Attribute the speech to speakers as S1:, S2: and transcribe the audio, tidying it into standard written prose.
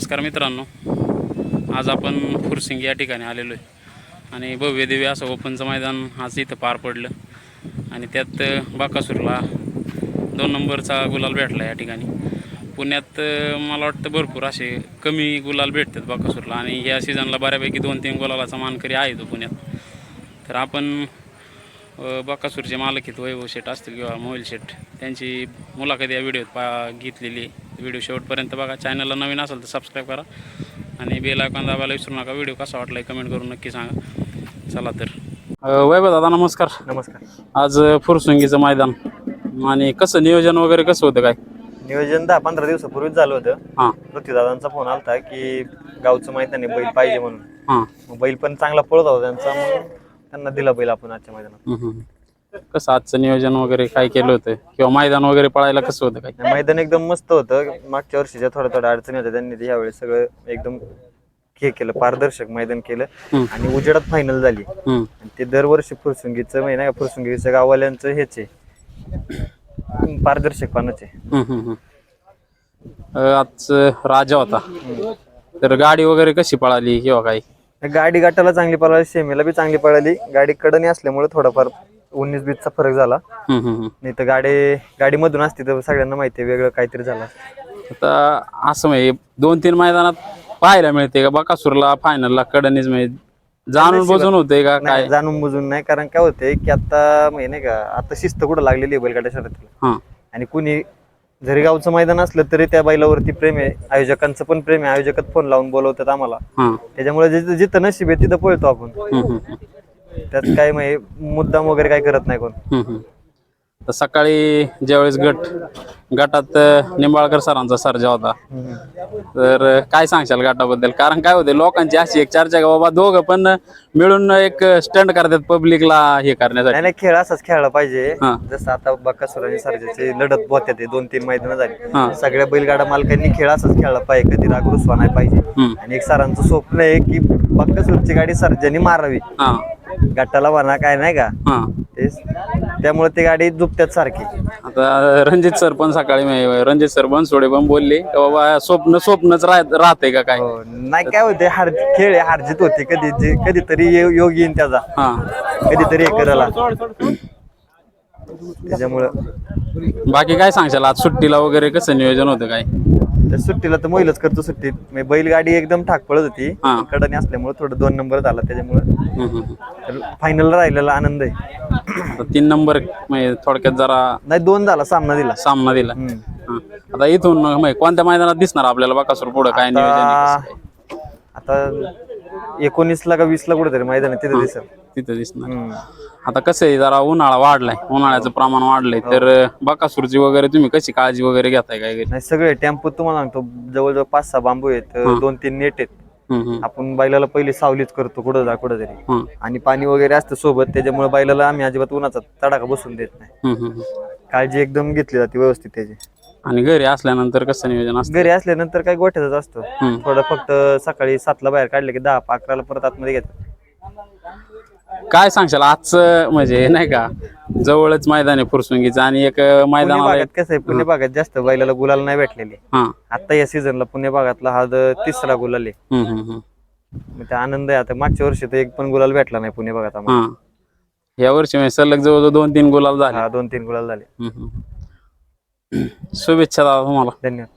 S1: नमस्कार मित्रांनो, आज आपण फुरसिंगी या ठिकाणी आलेलो आहे आणि भव्य दिव्य असं ओपनचं मैदान आज इथं पार पडलं आणि त्यात बाकासूरला 2 नंबरचा गुलाल भेटला. या ठिकाणी पुण्यात मला वाटतं भरपूर असे कमी गुलाल भेटतात बाकासूरला आणि या सीझनला बऱ्यापैकी 2-3 गुलालाचा मानकरी आहे तो पुण्यात. तर आपण बाकासूरचे मालक आहेत वैभव शेठ असतील किंवा मोबाईल शेठ, त्यांची मुलाखत या व्हिडिओत घेतलेली आहे. व्हिडिओ शेवटपर्यंत बघा. चॅनलला नवीन असेल तर सबस्क्राईब करा आणि बेल आयकॉन दाबायला विसरू नका. व्हिडिओ कसा वाटला कमेंट करून नक्की सांगा. चला तर वैभव दादा नमस्कार.
S2: नमस्कार.
S1: आज फुरसुंगीचं मैदान आणि कसं नियोजन वगैरे कसं होतं काय?
S2: नियोजन 10-15 दिवसापूर्वीच झालं होतं.
S1: हां
S2: पृथ्वीदादांचा फोन आलता की गावचं मैदान आहे, बैल पाहिजे म्हणून.
S1: हां
S2: मग बैल पण चांगला पळत होता त्यांचा, मग त्यांना दिला बैल आपण आजच्या मैदानात.
S1: कसं आजचं नियोजन वगैरे काय केलं होतं किंवा मैदान वगैरे पळायला कसं होतं काय?
S2: मैदान एकदम मस्त होतं. मागच्या वर्षीच्या थोड्या अडचणी होत्या, त्यांनी यावेळेस सगळं एकदम हे केलं, पारदर्शक मैदान केलं आणि उजेडात फायनल झाली. आणि ते दरवर्षी फुरसुंगीचं नाही का, फुरसुंगीच्या गाववाल्यांचं हेच आहे, पारदर्शकपणाचे.
S1: आज राजा होता, तर गाडी वगैरे कशी पळाली किंवा काय?
S2: गाडी गाठाला चांगली पळाली, सेमीला बी चांगली पळाली. गाडी कडनी असल्यामुळे थोडाफार 19-20चा फरक झाला. नाही तर गाडी मधून असती तर सगळ्यांना माहिती आहे वेगळं काहीतरी झालं.
S1: आता असं म्हणजे 2-3 मैदानात पाहायला मिळते का बाकासूरला फायनलला कडनीच म्हणजे जाणून बुजून होते का काय?
S2: जाणून बुजून नाही, कारण काय होते की आता नाही का, आता शिस्त कुठं लागलेली आहे बैलगाड्या शर्यतीला. आणि कुणी जरी गावचं मैदान असलं तरी त्या बैलावरती प्रेम आहे, आयोजकांचं पण प्रेम आहे. आयोजकात फोन लावून बोलवतात आम्हाला, त्याच्यामुळे जिथं नशीब आहे तिथं पळतो आपण. त्यात काय म्हणजे मुद्दाम वगैरे काय करत नाही कोण.
S1: तर सकाळी ज्यावेळेस गटात निंबाळकर सरांचा सर्जा होता, तर काय सांगशाल गटाबद्दल? कारण काय होते लोकांची अशी एक चर्चा का बाबा दोघं पण मिळून एक स्टंट करतात पब्लिकला हे करण्यासाठी.
S2: नाही, खेळ असाच खेळला पाहिजे. जसं आता बाकासूर आणि सर्जाची लढत होत्या, ते 2-3 मैदान झाली. सगळ्या बैलगाडा मालकांनी खेळ असाच खेळला पाहिजे, कधी राग रुसवा नाही पाहिजे. आणि एक सरांचं स्वप्न आहे की बाकासूरची गाडी सर्जानी मारावी, गटाला म्हणा काय नाही का. त्यामुळे ती गाडी झुपत्यात सारखी.
S1: आता रणजित सर पण सकाळी रणजित सर बनसोडे पण बोलले की बाबा स्वप्नच राहते का काय?
S2: नाही, काय होते खेळ हारजीत होते, कधीतरी योग येईन त्याचा, कधीतरी हे करायला. त्याच्यामुळं
S1: बाकी काय सांगशाल आज सुट्टीला वगैरे कसं नियोजन होतं काय?
S2: त्या सुट्टीला तर महिलाच करतो सुट्टीत. बैलगाडी एकदम ठाक पळत होती, कडणी असल्यामुळे थोडं 2 नंबर झाला, त्याच्यामुळे फायनल राहिलेला आनंद आहे.
S1: 3 नंबर म्हणजे थोडक्यात जरा
S2: नाही 2 झाला, सामना दिला.
S1: आता इथून कोणत्या मैदानात दिसणार आपल्याला बाकासूर पुढे काय नियोजन?
S2: आता 19ला का 20ला कुठेतरी मैदान आहे, तिथे
S1: दिसणार. आता कसं आहे जरा उन्हाळा वाढलाय, उन्हाळ्याचं प्रमाण वाढलंय, तर बाकासूरची वगैरे तुम्ही कशी काळजी वगैरे घेताय काय?
S2: नाही, सगळे टेम्पो तुम्हाला सांगतो जवळजवळ 5-6 बांबू आहेत, 2-3 नेट आहेत. आपण बैलाला पहिले सावलीच करतो कुठं तरी, आणि पाणी वगैरे असतं सोबत, त्याच्यामुळे बैलाला आम्ही अजिबात उन्हाचा तडाखा बसून देत नाही. काळजी एकदम घेतली जाते व्यवस्थित त्याची.
S1: आणि घरी असल्यानंतर कसं नियोजन असतं?
S2: घरी असल्यानंतर काही गोठ्याच असतो, थोडं फक्त सकाळी 7ला बाहेर काढले की 10-11ला परत आतमध्ये घेतात.
S1: काय सांगशाल आजचं म्हणजे नाही का, जवळच मैदान आहे फुरसुंगीचं आणि एक मैदान
S2: कसं आहे, पुणे भागात जास्त बैलाला गुलाल नाही भेटलेले. आता या सीझनला पुणे भागातला हा 3रा गुलाल आहे. त्या आनंद आहे. आता मागच्या वर्षी तर एक पण गुलाल भेटला नाही पुणे भागात आम्हाला.
S1: या वर्षी सलग जवळजवळ 2-3 गुलाल झाले.
S2: 2-3 गुलाल झाले.
S1: शुभेच्छा दादा तुम्हाला.
S2: धन्यवाद.